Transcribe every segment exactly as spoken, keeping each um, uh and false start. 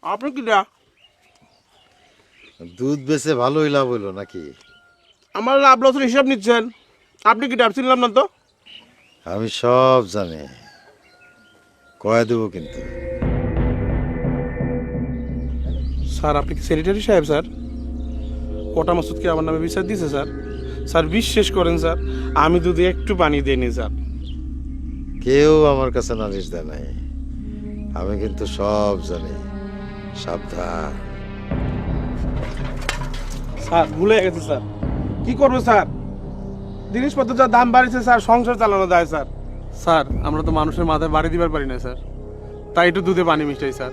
আপনি কিটা? দুধ বেচে ভালোই লাভ হইলো নাকি? আমার লাভ লসের হিসাব নিচ্ছেন? আপনি কিটা? চিনলাম না তো। আমি সব জানি, কয়ে দেবো কিন্তু। স্যার আপনি কি সেক্রেটারি সাহেব স্যার? কোটা মাসুদ কি আমার নামে বিচার দিয়েছে স্যার? স্যার বিশ্বাস করেন স্যার, আমি দুধে একটু পানি দিইনি স্যার। কেউ আমার কাছে নালিশ দেয় নাই, আমি কিন্তু সব জানি। সাবধান। স্যার ভুলে গেছে স্যার। কি করবো স্যার? জিনিসপত্র যা দাম বাড়িছে স্যার, সংসার চালানো যায় স্যার। স্যার আমরা তো মানুষের মাথায় বাড়ি দিবার পারি না স্যার, তাই একটু দুধে পানি মিশাই স্যার।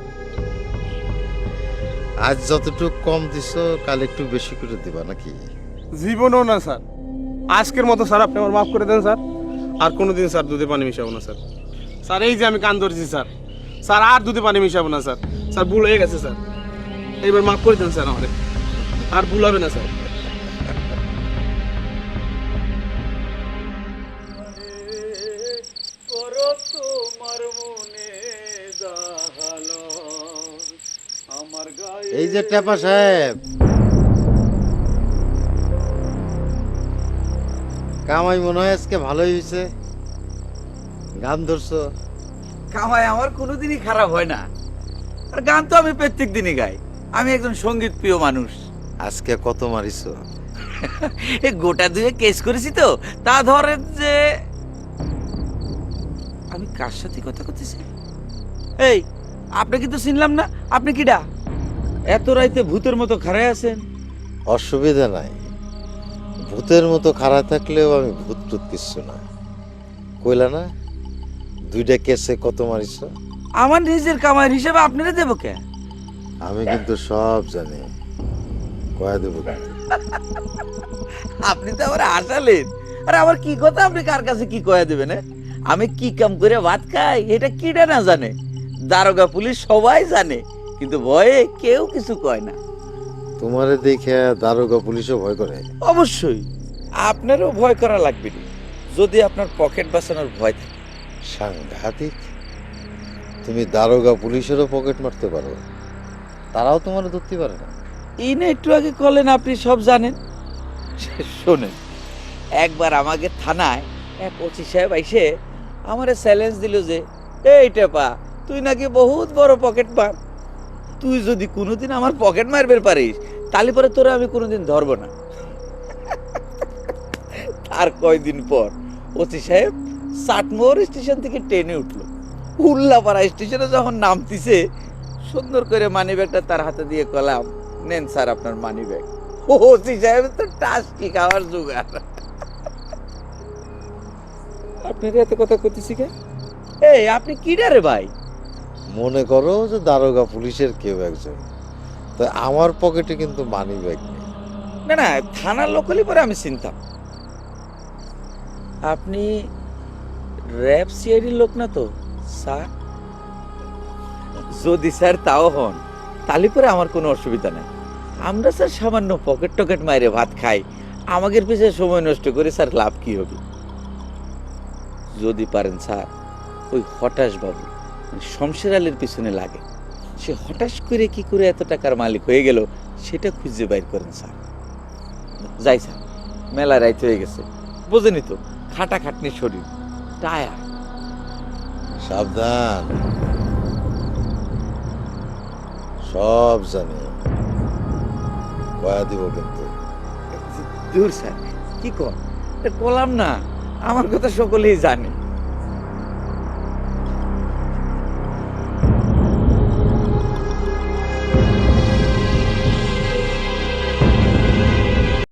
আজ যতটুকু কম দিছ কাল একটু বেশি করে দিবা নাকি? জীবনও না স্যার, আজকের মতো স্যার আপনি আমার মাফ করে দেন স্যার। আর কোনোদিন স্যার দুধে পানি মিশাবো না স্যার। স্যার এই যে আমি কান ধরেছি স্যার, স্যার আর দুধে পানি মিশাবো না স্যার। স্যার ভুল হয়ে গেছে স্যার, এইবার মাফ করে দেন স্যার আমাদের, আর ভুল হবে না স্যার। এই যে টেপা সাহেব, কামাই মনে হয় আজকে ভালোই হয়েছে, গান ধরছো। কামাই আমার কোনোদিনই খারাপ হয় না, আর গান তো আমি প্রত্যেক দিনই গাই। আমি একজন সঙ্গীত প্রিয় মানুষ। আজকে কত মারিছো? এই গোটা দুয়ে কেস করেছি তো, তা ধরেন যে আমি কার সাথে কথা করতেছি। এই আপনি কিন্তু চিনলাম না, আপনি কিডা? এত রাইতে ভূতের মতো খাড়ায় আছেন। অসুবিধা নাই, ভূতের মতো খাড়া থাকলেও আমি ভূত টুত কিচ্ছু না। কইলা না দুইটা কেসে কত মারিছ? আমার নিজের কামাইয়ের হিসেবে আপনারা দেবো কে? আমি কিন্তু সব জানি, কয়া দেবো কিন্তু। আপনি তো আবার হাসালেন। আর আমার কি কথা, আপনি কার কাছে কি কয়া দেবেন? এ? আমি কি কাম করে ভাত খাই এটা কিডা না জানে? দারোগা পুলিশ সবাই জানে, কিন্তু ভয়ে কেউ কিছু কয় না। তোমারে দেখে দারোগা পুলিশও ভয় করে। অবশ্যই আপনারও ভয় করা লাগবে না, যদি আপনার পকেট বাঁচানোর ভয় থাকে। সাংঘাতিক, তুমি দারোগা পুলিশেরও পকেট মারতে পারো, তারাও তোমার ধরতে পারে না। এই না একটু আগে কলেন আপনি সব জানেন। শোনেন, একবার আমাকে থানায় এক ওসি সাহেব আইসে আমারে চ্যালেঞ্জ দিল যে, এই টেপা তুই নাকি বহুত বড় পকেট মার, তুই যদি কোনোদিন আমার পকেট মারবে পারিস তাহলে পরে তোরা আমি কোনোদিন ধরবো না। আর কয়দিন পর ওসি সাহেব চাটমোহর স্টেশন থেকে ট্রেনে উঠলো। উল্লাপাড়া স্টেশনে যখন নামতিছে, সুন্দর করে মানি ব্যাগটা তার হাতে দিয়ে কলাম, নেন স্যার আপনার মানি ব্যাগ। ওসি সাহেব তো টাস্কি খাওয়ার জোগাড়। আপনার এত কথা করতেছি কে? এই আপনি কি ডারে ভাই? মনে করো যে দারোগা পুলিশের কেউ একজন, তো আমার পকেটে কিন্তু মানি ব্যাগ নেই। না না, থানার লোক হলে পরে আমি চিনতাম। আপনি র্যাব সিআইডির লোক না তো স্যার? যদি স্যার তাও হন তাহলে পরে আমার কোনো অসুবিধা নাই। আমরা স্যার সামান্য পকেট টকেট মাইরে ভাত খাই, আমাদের পিছিয়ে সময় নষ্ট করে স্যার লাভ কি হবে? যদি পারেন স্যার ওই হঠাৎ বাবু মানে শমশের আলীর পিছনে লাগে, সে হঠাৎ করে কি করে এত টাকার মালিক হয়ে গেল সেটা খুঁজে বাইর করেন স্যার। যাই স্যার, মেলা রাইত হয়ে গেছে, বোঝেনি তো খাটা খাটনি শরীর, টায়ার। সাবধান, সব জানি, কয়া দিব কিন্তু। দূর স্যার, কি কর, কলাম না, আমার কথা সকলেই জানে।